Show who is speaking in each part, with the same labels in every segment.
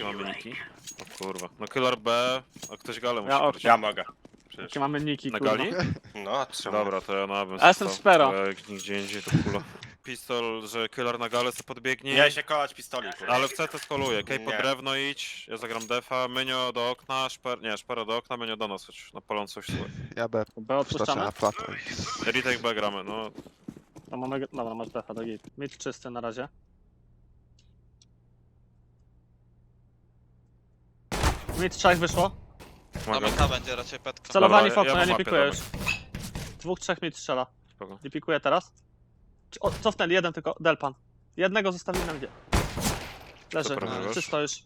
Speaker 1: jakie mamy niki? O kurwa. No Killer B, a ktoś galę musi
Speaker 2: Ja
Speaker 1: wrócić.
Speaker 3: Ja mogę. Przecież.
Speaker 2: Jakie mamy niki,
Speaker 1: Na
Speaker 2: kurwa.
Speaker 1: gali?
Speaker 3: No, trzeba.
Speaker 1: Dobra, to ja na bym
Speaker 2: A jestem
Speaker 1: stał.
Speaker 2: Spero.
Speaker 1: Bo jak nigdzie indziej to kula. Pistol, że Killer na galę sobie podbiegnie.
Speaker 3: Nie się kolać pistoli, kurwa.
Speaker 1: Ale w CT skoluje. Kej pod
Speaker 3: Nie.
Speaker 1: drewno idź, ja zagram defa, Mynio do okna, Szpero do okna, Mynio do nas, chodź na palącą coś słuchaj.
Speaker 4: Ja B.
Speaker 2: B
Speaker 4: Wskoczę
Speaker 2: odpuszczamy?
Speaker 4: na plato.
Speaker 1: Retake B gramy, no.
Speaker 2: To mamy... Dobra, masz defa do git. Mid czysty na razie. Mid 3 wyszło.
Speaker 1: Pomagam.
Speaker 5: Domyka będzie raczej petka.
Speaker 2: Celowani w
Speaker 1: Dobra,
Speaker 2: okno,
Speaker 1: ja
Speaker 2: ja nie
Speaker 1: mam mapę,
Speaker 2: pikuję już.
Speaker 1: dobra.
Speaker 2: 2-3 mid strzela.
Speaker 1: Spoko.
Speaker 2: Nie pikuję teraz. O, cofnęli, jeden tylko, Delpan. Jednego zostawili na gdzie. Leży,
Speaker 1: Super, wygrasz.
Speaker 2: czysto już.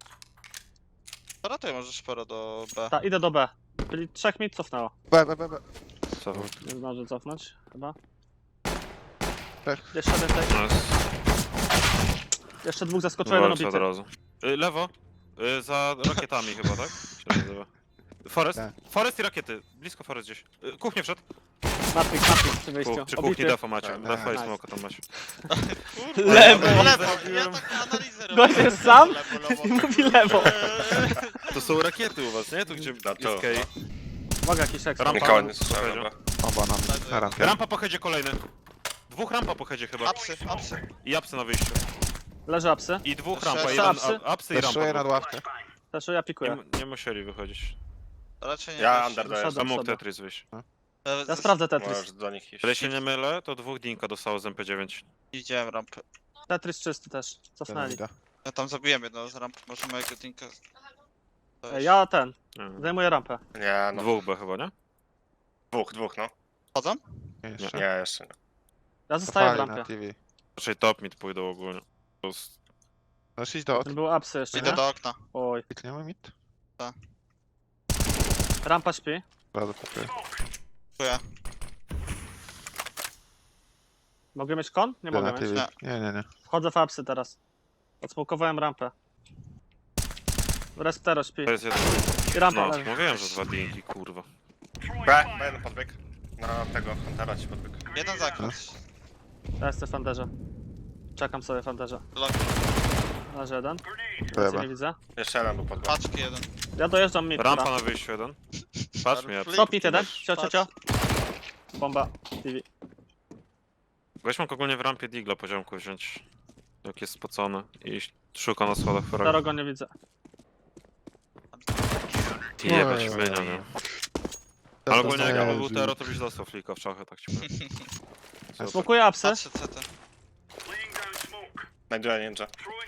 Speaker 5: Ratuj może szpero do B.
Speaker 2: Ta, idę do B. Czyli 3 mid cofnęło.
Speaker 4: B.
Speaker 1: Co?
Speaker 2: Nie zdąży cofnąć, chyba.
Speaker 4: Trzech.
Speaker 2: Jeszcze więcej.
Speaker 1: Nice.
Speaker 2: Jeszcze dwóch zaskoczyło, jeden
Speaker 1: Walczę od
Speaker 2: obity.
Speaker 1: razu. Lewo. Za rakietami chyba, tak? Się nazywa. Forest?
Speaker 4: Tak.
Speaker 1: Forest i rakiety. Blisko Forest gdzieś. Kuchnię wszedł.
Speaker 2: Matrix przy wyjściu.
Speaker 1: Przy kuchni
Speaker 2: Obity.
Speaker 1: defa macie.
Speaker 4: Tak,
Speaker 1: Defa i
Speaker 2: nice.
Speaker 1: smoka tam macie.
Speaker 2: Lewo!
Speaker 5: Lewo! Ja tak analizę robię.
Speaker 2: Gość jest sam
Speaker 5: Lewo,
Speaker 2: i
Speaker 5: lewo.
Speaker 2: mówi lewo.
Speaker 1: To są rakiety u was, nie? Tu gdzie
Speaker 3: Na to.
Speaker 1: jest Kej.
Speaker 2: Uwaga, jakiś ekstra.
Speaker 1: Rampa.
Speaker 3: Nikogo nie słyszałem,
Speaker 1: Powiedział.
Speaker 3: dobra.
Speaker 4: Oba na rampie.
Speaker 1: Rampa po headzie kolejny. Dwóch rampa po headzie chyba.
Speaker 5: Apsy, apsy.
Speaker 1: I apsy na wyjściu.
Speaker 2: Leży apsy.
Speaker 1: I dwóch
Speaker 5: Jeszcze
Speaker 1: rampa.
Speaker 2: apsy.
Speaker 1: Jeden
Speaker 2: Apsy?
Speaker 1: apsy i
Speaker 4: Teszuję
Speaker 1: rampa.
Speaker 4: nad ławkę.
Speaker 2: Też ja pikuję.
Speaker 1: Nie musieli wychodzić.
Speaker 5: Raczej nie.
Speaker 3: Ja
Speaker 5: wiesz.
Speaker 3: under
Speaker 2: Wyszedłem.
Speaker 1: Tam mógł
Speaker 2: sobie.
Speaker 1: Tetris wyjść.
Speaker 2: Ja sprawdzę Tetris.
Speaker 3: Możesz do nich iść.
Speaker 1: Ale się nie mylę, to dwóch Dinka dostało z MP9.
Speaker 5: Widziałem rampę.
Speaker 2: Tetris czysty też. Cofnęli.
Speaker 5: Ja tam zabiłem jednego z ramp. Może mojego dinka.
Speaker 2: Ja ten.
Speaker 1: Nie.
Speaker 2: Zajmuję rampę.
Speaker 3: Nie, no.
Speaker 1: Dwóch B chyba, nie?
Speaker 3: Dwóch, no.
Speaker 5: Chodzą?
Speaker 4: Nie, jeszcze.
Speaker 3: Nie, jeszcze nie.
Speaker 2: Ja zostaję w
Speaker 4: Cofali na
Speaker 2: rampie.
Speaker 4: TV.
Speaker 1: Raczej top mid pójdą ogólnie. To jest-
Speaker 4: Możesz iść do okna.
Speaker 2: Ten był apsy jeszcze,
Speaker 5: Idę
Speaker 2: nie?
Speaker 5: do okna.
Speaker 2: Oj.
Speaker 4: Klikniemy mid?
Speaker 2: Rampa śpi.
Speaker 4: Bardzo pokryję.
Speaker 5: Dziękuję.
Speaker 2: Mogę mieć kon? Nie
Speaker 4: Idę
Speaker 2: mogę
Speaker 4: na
Speaker 2: mieć.
Speaker 4: TV. Nie.
Speaker 2: Wchodzę w apsy teraz. Odsmokowałem rampę. Resptero śpi.
Speaker 1: To jest jeden.
Speaker 2: I rampa
Speaker 1: No,
Speaker 2: leży.
Speaker 1: mówiłem, że dwa Dinki, kurwa.
Speaker 3: B podbieg. Na tego Huntera ci podbieg.
Speaker 5: Jeden zakręt.
Speaker 2: Ja jestem w fanderze. Czekam sobie w fanderze.
Speaker 5: Lock.
Speaker 2: Leży jeden.
Speaker 4: Chyba.
Speaker 2: Więcej nie widzę.
Speaker 3: Jeszcze jeden był podbieg.
Speaker 5: Paczki jeden.
Speaker 2: Ja dojeżdżam mid.
Speaker 1: Rampa
Speaker 2: dobra.
Speaker 1: na wyjściu jeden. Patrz mnie.
Speaker 5: Flip.
Speaker 2: Stop mid jeden. Cio.
Speaker 5: Patrz.
Speaker 2: Bomba. TV.
Speaker 1: Weź mógł ogólnie w rampie Digla poziomku wziąć. Jak jest spocony. I szuka na schodach Ferrari.
Speaker 2: Starogo nie widzę.
Speaker 1: Jebać
Speaker 4: Oj,
Speaker 1: mynia, nie?
Speaker 4: To
Speaker 1: Ale ogólnie jak ja
Speaker 4: jest
Speaker 1: był Tero, to byś dostał flika w czachy, tak ci powiem. Super.
Speaker 2: Smokuję apsy.
Speaker 5: Patrzę CT.
Speaker 3: Znajduję ninja.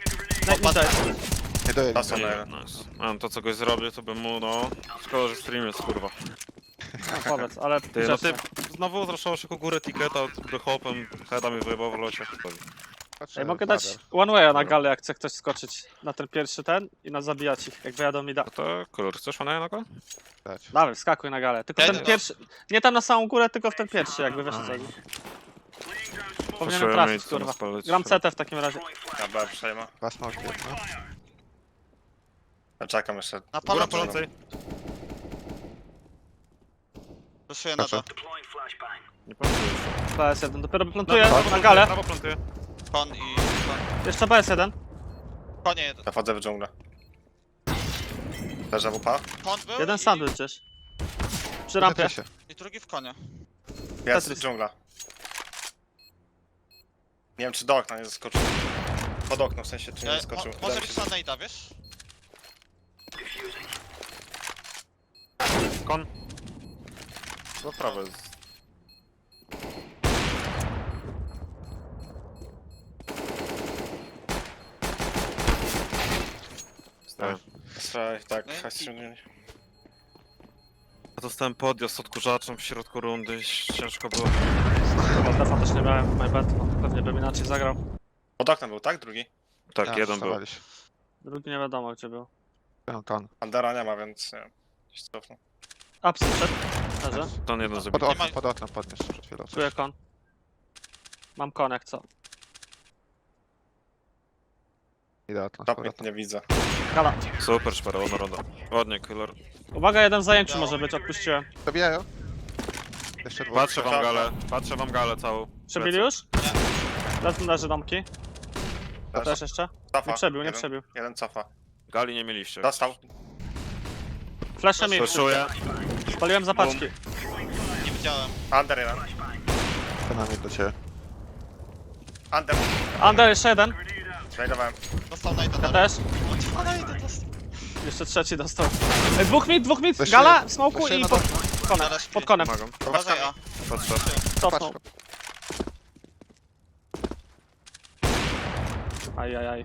Speaker 4: Nie dojedzie.
Speaker 3: Tasą na
Speaker 1: Nie,
Speaker 3: jeden.
Speaker 1: nice. A to co goś zrobię, to bym mu, no... Szkoda, że stream jest, kurwa.
Speaker 2: No powiedz, ale
Speaker 1: Ty, no ty
Speaker 2: grzecznie.
Speaker 1: znowu zraszało się ku górę tiketa, by hopem, heada mi wyjebał w locie.
Speaker 4: Patrzę,
Speaker 2: Ej, mogę
Speaker 4: ladder.
Speaker 2: dać one way'a na galę, jak chce ktoś skoczyć na ten pierwszy ten i nas zabijać ich, jak wyjadą mi da.
Speaker 1: No to kolor, chcesz fana na go?
Speaker 4: Dać.
Speaker 2: Dawaj, skakuj na galę. Tylko
Speaker 5: Ja
Speaker 2: ten
Speaker 5: nie
Speaker 2: pierwszy, nie tam na samą górę, tylko w ten pierwszy, jakby wiesz co. Powinienem trafić, kurwa. Gram CT w takim razie.
Speaker 3: Ja B przejmę.
Speaker 4: Dwa smoki, no.
Speaker 3: Ja czekam jeszcze.
Speaker 5: Na
Speaker 1: Góra
Speaker 5: palącej.
Speaker 1: palącej.
Speaker 5: Proszę na
Speaker 4: Proszę.
Speaker 5: to.
Speaker 1: Nie pamiętam.
Speaker 2: BS1, dopiero plantuję na galę.
Speaker 1: Prawo plantuję.
Speaker 5: Kon i... Kon.
Speaker 2: Jeszcze BS1.
Speaker 5: Konie jeden.
Speaker 3: Ja wchodzę w dżunglę. Leżę WP.
Speaker 5: Kon był
Speaker 2: Jeden
Speaker 5: i...
Speaker 2: sandwich gdzieś. Przy rampie.
Speaker 4: Tetris się.
Speaker 5: I drugi w konie.
Speaker 3: Jest
Speaker 2: Tetris.
Speaker 3: dżungla. Nie wiem czy do okna nie zaskoczył. Pod okno w sensie czy nie zaskoczył.
Speaker 5: Może
Speaker 3: Wydaje mi
Speaker 5: być
Speaker 3: się, że-
Speaker 5: Sundaida, wiesz?
Speaker 1: Kon. Do prawo jest. Stoję.
Speaker 3: Strzelaj, tak,
Speaker 5: No i-
Speaker 3: ściągnęli.
Speaker 1: Ja dostałem podjazd odkurzaczem w środku rundy, ciężko było.
Speaker 2: Chyba defa też nie miałem, my bad. No, pewnie bym inaczej zagrał.
Speaker 3: Pod oknem był, tak? Drugi?
Speaker 1: Tak,
Speaker 4: Ja,
Speaker 1: jeden był.
Speaker 4: zostawali się.
Speaker 2: Drugi nie wiadomo gdzie był.
Speaker 4: Ten.
Speaker 3: Andera nie ma, więc nie wiem. Gdzieś cofnął.
Speaker 2: Apsy przed. Leży.
Speaker 1: Ten jeden
Speaker 4: Pod
Speaker 1: zabity.
Speaker 4: oknem, pod oknem podniósł przed chwilą.
Speaker 2: Czuję kon. Mam kon jak co.
Speaker 4: Idę okno, z
Speaker 3: Top
Speaker 4: powrotem.
Speaker 3: nie widzę.
Speaker 2: Gala.
Speaker 1: Super szpera, ładna ronda. Ładnie, killer.
Speaker 2: Uwaga, jeden w zajęciu może być, odpuściłem.
Speaker 4: Dobijają. Jeszcze dwóch.
Speaker 1: Patrzę wam galę całą.
Speaker 2: Przebili już? Leży domki.
Speaker 3: Też.
Speaker 2: Też jeszcze?
Speaker 3: Cofa.
Speaker 2: Nie przebił, nie
Speaker 3: Jeden-
Speaker 2: przebił.
Speaker 3: Jeden cofa.
Speaker 1: Gali nie mieliście.
Speaker 3: Dostał.
Speaker 2: Flashem mi.
Speaker 1: Flashuję.
Speaker 2: Spaliłem zapaczki.
Speaker 5: Nie widziałem.
Speaker 3: Under jeden.
Speaker 4: Kanami do ciebie.
Speaker 3: Under.
Speaker 2: Under jeszcze jeden.
Speaker 3: Znajdowałem.
Speaker 5: Dostał najda.
Speaker 2: Ja też.
Speaker 5: Najda dostał.
Speaker 2: Jeszcze trzeci dostał. Dwóch mid,
Speaker 4: Weź
Speaker 2: gala,
Speaker 4: się-
Speaker 2: smoku
Speaker 4: weź się
Speaker 2: i
Speaker 4: na
Speaker 2: pod
Speaker 4: dół.
Speaker 2: konem.
Speaker 5: Zaraz
Speaker 2: Pod konem.
Speaker 1: Pomagam.
Speaker 5: Uważaj, a.
Speaker 1: Patrzę.
Speaker 2: Cofnął.
Speaker 4: Patrz.
Speaker 2: Ajajaj.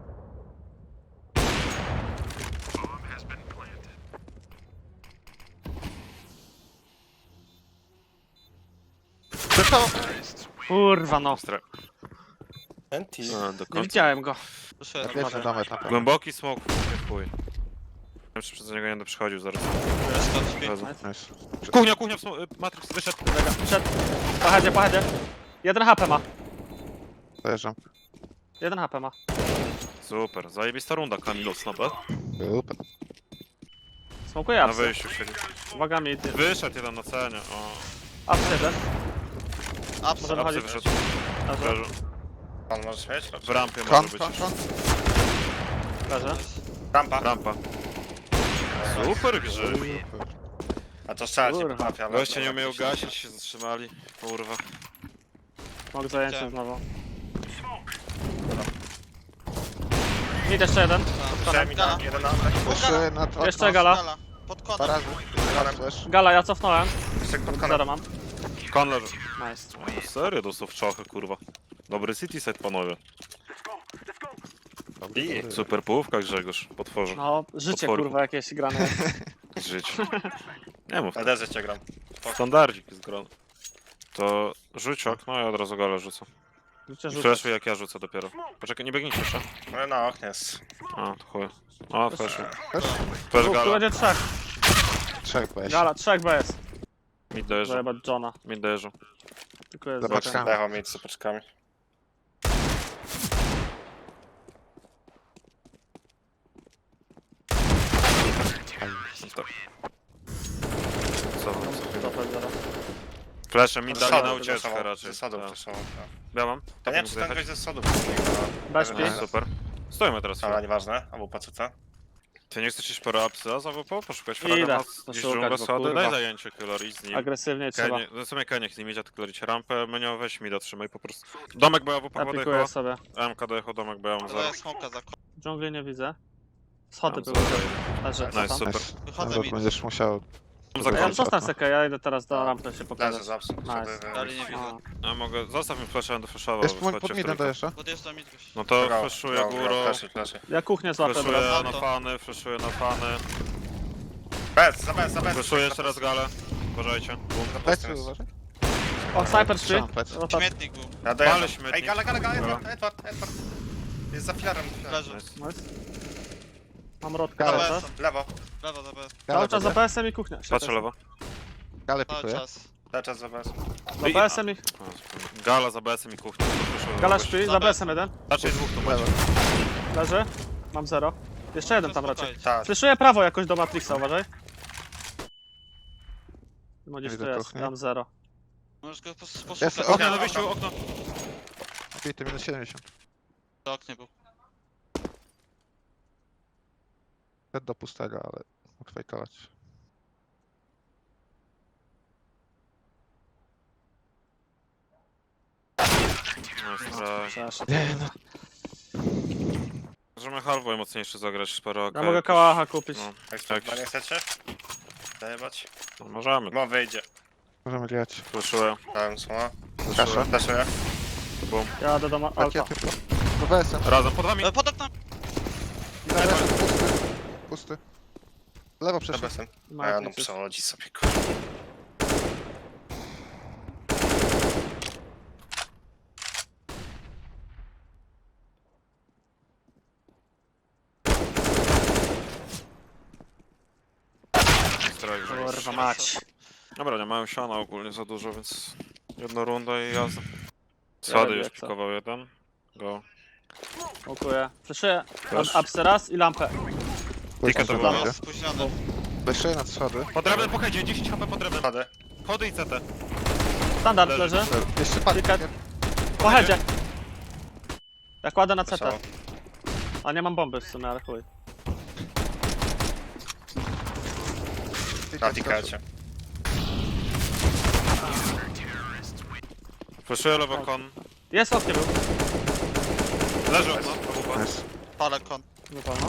Speaker 2: Kurwa no.
Speaker 1: Ostre.
Speaker 3: Enti.
Speaker 1: A, do
Speaker 2: Nie
Speaker 1: końca.
Speaker 2: widziałem go.
Speaker 5: Proszę,
Speaker 4: Ja
Speaker 5: jeden.
Speaker 4: pierwszy domek na pewno.
Speaker 1: Głęboki smok, chuj. Nie wiem, czy przez niego nie będę przychodził zaraz. Razu.
Speaker 4: Nice.
Speaker 1: Kuchnia, Matrix wyszedł.
Speaker 2: Przed. Pochodzie. 1 HP ma.
Speaker 4: Dojeżdżam.
Speaker 2: 1 HP ma.
Speaker 1: Super, zajebista runda Kamilos na B.
Speaker 4: Super.
Speaker 2: Smokuje
Speaker 1: Na
Speaker 2: apsy.
Speaker 1: wyjściu siedzi.
Speaker 2: Uwaga mid.
Speaker 1: Wyszedł jeden na cenie, o.
Speaker 2: Apsy jeden.
Speaker 5: Apsy.
Speaker 2: Może
Speaker 1: Apsy
Speaker 2: wychodzi.
Speaker 1: wyszedł.
Speaker 2: Leży.
Speaker 1: Leży.
Speaker 3: Pan możesz mieć?
Speaker 1: W rampie
Speaker 4: Kon,
Speaker 1: może być.
Speaker 4: kon, kon.
Speaker 2: Leży.
Speaker 3: Rampa.
Speaker 1: Rampa. Super grzyb.
Speaker 3: A to strzelać nie
Speaker 2: Kurwa.
Speaker 3: potrafię, ale...
Speaker 1: Goście nie umieją gasić, się zatrzymali. Kurwa.
Speaker 2: Mogę zajęcie
Speaker 5: Chciałem.
Speaker 2: znowu. Mid jeszcze jeden.
Speaker 3: Chciałem mi
Speaker 5: Gala.
Speaker 3: na jeden na...
Speaker 4: Jeszcze na to.
Speaker 2: Jeszcze gala.
Speaker 5: Pod
Speaker 4: Dwa
Speaker 5: konem.
Speaker 4: razy. Raz flash.
Speaker 2: Gala, ja cofnąłem.
Speaker 3: Jeszcze pod
Speaker 2: Zero
Speaker 3: konem.
Speaker 2: mam.
Speaker 1: Kon leży.
Speaker 2: Nice.
Speaker 1: O, serio dostał w czachy, kurwa. Dobry city set, panowie.
Speaker 4: Dobry.
Speaker 1: Super połówka, Grzegorz. Potworze.
Speaker 2: No, życie
Speaker 1: Potworku.
Speaker 2: kurwa jakieś grane.
Speaker 1: Żyć. Nie mów.
Speaker 3: Na derze cię gram.
Speaker 1: Standardzik jest grany. To rzuć okno i od razu galę rzucę.
Speaker 2: Życie rzucę.
Speaker 1: Flashuj jak ja rzucę dopiero. Poczekaj, nie biegnijcie jeszcze.
Speaker 3: No na oknie jest.
Speaker 1: A, to chuj. O, flashuj.
Speaker 4: Flash?
Speaker 1: Flash
Speaker 2: Tu
Speaker 1: gala.
Speaker 2: będzie trzech.
Speaker 4: Trzech weź.
Speaker 2: Gala, trzech BS.
Speaker 1: Mid dojeżdża.
Speaker 2: Zajebać Johna.
Speaker 1: Mid dojeżdża.
Speaker 2: Tylko jest
Speaker 4: Zobacz
Speaker 2: za
Speaker 4: tam.
Speaker 3: Dechał mieć z sopaczkami.
Speaker 1: Tak. Co?
Speaker 2: zero.
Speaker 1: Flashem mid dali na
Speaker 3: Zasadów
Speaker 1: ucieczkę
Speaker 3: flashował,
Speaker 1: raczej.
Speaker 3: zasadów
Speaker 1: Tak.
Speaker 3: flashował, tak.
Speaker 1: Ja mam.
Speaker 3: To nie wiem,
Speaker 1: Mógł
Speaker 3: czy ten
Speaker 1: zjechać?
Speaker 3: gość ze sodów.
Speaker 2: Bez
Speaker 3: Nie,
Speaker 2: pi.
Speaker 1: Super. Stoimy teraz.
Speaker 3: Ale nieważne, albo PCC.
Speaker 1: Ty nie chcesz iść po reapsy, a za WP poszukać fraga
Speaker 2: Idę.
Speaker 1: na
Speaker 2: To
Speaker 1: gdzieś
Speaker 2: szukać,
Speaker 1: dżunglę
Speaker 2: bo
Speaker 1: sady,
Speaker 2: kurwa.
Speaker 1: daj zajęcie killer i z nim.
Speaker 2: Agresywnie trzeba.
Speaker 1: Kenie, no w sumie Keniech z nim idzie, tylko lecieć rampę, menio weź mi trzymaj po prostu. Domek BAW
Speaker 2: Ja
Speaker 1: podejechał,
Speaker 2: pikuję sobie.
Speaker 1: MK dojechał, domek BAW
Speaker 5: To
Speaker 1: 0.
Speaker 5: jest smoka za konem.
Speaker 2: Dżungli nie widzę. Schody
Speaker 1: Tam
Speaker 2: były.
Speaker 1: zero.
Speaker 2: Leży.
Speaker 1: Nice,
Speaker 2: Cofam.
Speaker 1: super.
Speaker 5: Wychodzę
Speaker 4: No,
Speaker 5: mi.
Speaker 4: będziesz musiał.
Speaker 1: Za
Speaker 2: Ja
Speaker 1: końcem.
Speaker 2: zostań sekę, ja idę teraz do rampy się
Speaker 3: Leży
Speaker 2: pokazać.
Speaker 3: zawsze.
Speaker 2: Nice.
Speaker 5: Dalej nie widzę.
Speaker 2: A,
Speaker 1: Ja mogę, zostaw mi flasha, będę flashował.
Speaker 4: Jest pod
Speaker 1: wchodźcie w
Speaker 4: midem
Speaker 1: trójkę.
Speaker 4: dojeżdża.
Speaker 5: Podjeżdżam mi gość.
Speaker 1: No to flashuję górą,
Speaker 3: Flashy.
Speaker 2: Ja kuchnię złapię
Speaker 1: flashuję
Speaker 2: teraz.
Speaker 1: na fany, flashuję na fany.
Speaker 3: Bez.
Speaker 1: Flashuję jeszcze raz galę. Uważajcie.
Speaker 4: Plecy uważaj.
Speaker 2: O, sniper 3.
Speaker 4: Trzymam plecy.
Speaker 5: Śmietnik był.
Speaker 3: Ja dojadę.
Speaker 1: Ale śmietnik.
Speaker 3: Ej, gala, Edward. Jest za filarem.
Speaker 5: Leży.
Speaker 1: Nice.
Speaker 2: Nice. Mam rodkę
Speaker 4: Gala.
Speaker 2: teraz.
Speaker 3: Lewo.
Speaker 5: Lewo za B.
Speaker 2: Cały czas za
Speaker 4: Gale
Speaker 2: PS-em i kuchnia.
Speaker 1: Patrzę lewo.
Speaker 4: Gale
Speaker 5: Cały
Speaker 4: pikuje.
Speaker 5: czas.
Speaker 3: Cały czas za bez.
Speaker 2: Za PS-em i...
Speaker 1: Gala za BS-em i kuchnia.
Speaker 2: Gala śpi, za PS-em jeden.
Speaker 1: Raczej dwóch tu macie.
Speaker 2: Leży. Mam 0. Jeszcze jeden tam raczej.
Speaker 5: Spokojnie.
Speaker 3: Tak.
Speaker 2: Fleszuję prawo jakoś do Matrixa, uważaj. No gdzieś tu
Speaker 4: Widzę
Speaker 2: jest,
Speaker 4: kuchnię.
Speaker 2: mam 0.
Speaker 5: Możesz go
Speaker 4: Jest
Speaker 5: poszukać.
Speaker 4: okno.
Speaker 1: Okno na wyjściu, okno.
Speaker 4: Bity minus 70.
Speaker 5: To oknie był.
Speaker 4: Szedł do pustego, ale mógł fejkować.
Speaker 2: Przeszedł.
Speaker 1: Możemy halfway mocniejszy zagrać, sporo
Speaker 2: Ja mogę kałacha kupić.
Speaker 1: No,
Speaker 3: Jak nie chcecie? Zajebać?
Speaker 1: no możemy.
Speaker 3: No wyjdzie.
Speaker 4: Możemy grać.
Speaker 1: Flashuję.
Speaker 3: Dałem słowa.
Speaker 4: Kaszę.
Speaker 3: Flashuję.
Speaker 2: Jadę do alfa.
Speaker 4: Rakiety do BS-em.
Speaker 1: Razem pod wami.
Speaker 5: Pod oknem.
Speaker 4: Pusty. Pusty. Lewo
Speaker 3: Za
Speaker 4: przeszedł.
Speaker 3: besem. A
Speaker 2: Ma
Speaker 3: ja no
Speaker 2: jakieś-
Speaker 3: przechodzi sobie, kurwa.
Speaker 2: Kurwa mać.
Speaker 1: Dobra, nie mają siana ogólnie za dużo, więc jedna runda i jazda.
Speaker 2: Ja
Speaker 1: Sady
Speaker 2: robię
Speaker 1: już
Speaker 2: jak co.
Speaker 1: pikował jeden. Go.
Speaker 2: Dziękuję. Fleszuję
Speaker 1: Też.
Speaker 2: apsy raz i lampę.
Speaker 1: Ticket to
Speaker 4: Pusty.
Speaker 1: było.
Speaker 5: Był spóźniony.
Speaker 4: Jeszcze na schody.
Speaker 1: Podrębny po headzie, 10 HP podrębny.
Speaker 3: Schody.
Speaker 1: Chody i CT.
Speaker 2: Standard
Speaker 1: Leży.
Speaker 2: leży.
Speaker 4: Jeszcze padł.
Speaker 2: Ticket. Po headzie. Ja kładę na CT.
Speaker 3: Wesoło.
Speaker 2: A nie mam bomby w sumie, ale chuj.
Speaker 3: Na tikecie.
Speaker 1: Flashuję lewo kon.
Speaker 2: Jest oknie był.
Speaker 1: Leży okno.
Speaker 4: Nice.
Speaker 5: Palę kon.
Speaker 2: Wypalno.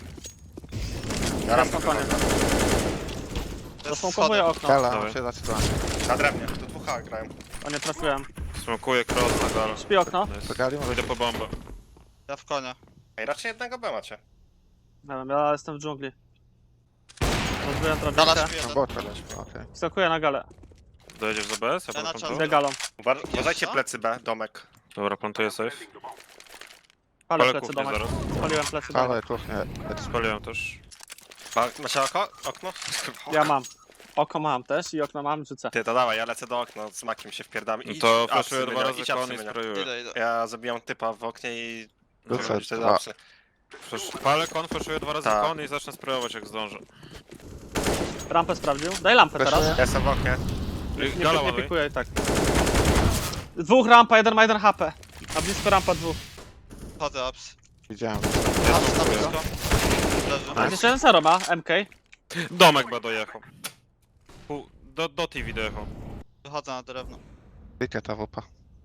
Speaker 3: Ja
Speaker 2: Teraz
Speaker 3: rampę
Speaker 2: na koniec.
Speaker 3: wychodzę.
Speaker 2: Zasmokowuję okno.
Speaker 4: Gala,
Speaker 1: Dawaj.
Speaker 4: się zaczyna.
Speaker 3: Na drewnie, do 2H grają.
Speaker 2: O, nie trafiłem.
Speaker 1: Smokuję cross na galę.
Speaker 2: Śpi okno.
Speaker 1: Nice.
Speaker 4: To gali może
Speaker 1: Idę po bombę.
Speaker 5: Ja w konia.
Speaker 3: Ej, raczej jednego B macie.
Speaker 2: Nie wiem, ja jestem w dżungli. Rozbiję
Speaker 5: Gala
Speaker 2: drabinkę.
Speaker 5: śpi
Speaker 4: na
Speaker 5: jeden.
Speaker 4: bota. Okej.
Speaker 2: Skakuję na galę.
Speaker 1: Dojedziesz do BS? Ja
Speaker 5: Ja na
Speaker 1: potem
Speaker 5: czas.
Speaker 1: tu?
Speaker 2: Idę galą.
Speaker 3: Uważajcie plecy B, domek.
Speaker 1: Dobra, plantuję safe.
Speaker 2: Palę
Speaker 1: Palę
Speaker 2: plecy
Speaker 1: kuchnię
Speaker 2: domek.
Speaker 1: zaraz.
Speaker 2: Spaliłem plecy
Speaker 4: Ale
Speaker 2: domek.
Speaker 4: kuchnie.
Speaker 1: Spaliłem też.
Speaker 3: Macie okno?
Speaker 2: Ja mam. Oko mam też i okno mam, rzucę.
Speaker 3: Ty, to dawaj, ja lecę do okna, z makiem się wpierdam.
Speaker 1: No
Speaker 3: Idź,
Speaker 1: to
Speaker 3: apsy
Speaker 1: flashuję
Speaker 3: mynią,
Speaker 1: dwa razy
Speaker 3: idź
Speaker 1: kon
Speaker 3: apsy
Speaker 1: i
Speaker 3: mynią.
Speaker 1: sprayuję.
Speaker 5: Idę.
Speaker 3: Ja zabijam typa w oknie i...
Speaker 4: Rzucę
Speaker 3: robisz te
Speaker 4: dwa.
Speaker 3: apsy.
Speaker 1: Palę kon, flashuję dwa razy
Speaker 3: Tak.
Speaker 1: kon i zacznę sprayować jak zdążę.
Speaker 2: Rampę sprawdził. Daj lampę teraz.
Speaker 4: Flashuję.
Speaker 3: Ja jestem w oknie.
Speaker 2: Nie,
Speaker 1: Gala
Speaker 2: nie
Speaker 1: ładuj.
Speaker 2: pikuję i tak. Dwóch rampa, jeden ma 1 HP. A blisko rampa dwóch.
Speaker 5: Chodzę ups.
Speaker 4: Widziałem.
Speaker 5: Ups na blisko. Leży.
Speaker 2: A jeszcze jeden zero ma, MK.
Speaker 1: Domek B dojechał. Do TV dojechał.
Speaker 5: Wychodzę na drewno.
Speaker 4: Ticket AWP.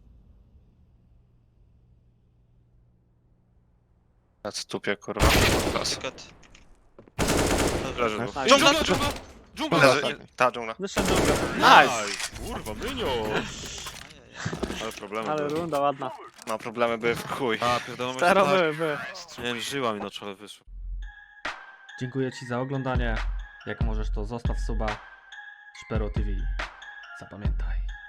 Speaker 3: Ja stupię, kurwa.
Speaker 5: Ticket.
Speaker 1: Leży
Speaker 4: Nice.
Speaker 1: dwóch.
Speaker 2: Nice.
Speaker 1: Dżungla, dżungla! Dżungla!
Speaker 3: Leży, ta dżungla.
Speaker 2: Wyszedł dżunglę. Nice!
Speaker 1: Kurwa, myniu! Ale problemy
Speaker 2: Ale
Speaker 1: były.
Speaker 2: runda ładna.
Speaker 3: No, problemy były w chuj.
Speaker 1: A, pierdolę,
Speaker 2: Zero były.
Speaker 1: Nie wiem, żyła mi na czole wyszła.
Speaker 6: Dziękuję Ci za oglądanie. Jak możesz, to zostaw suba Szpero TV. Zapamiętaj.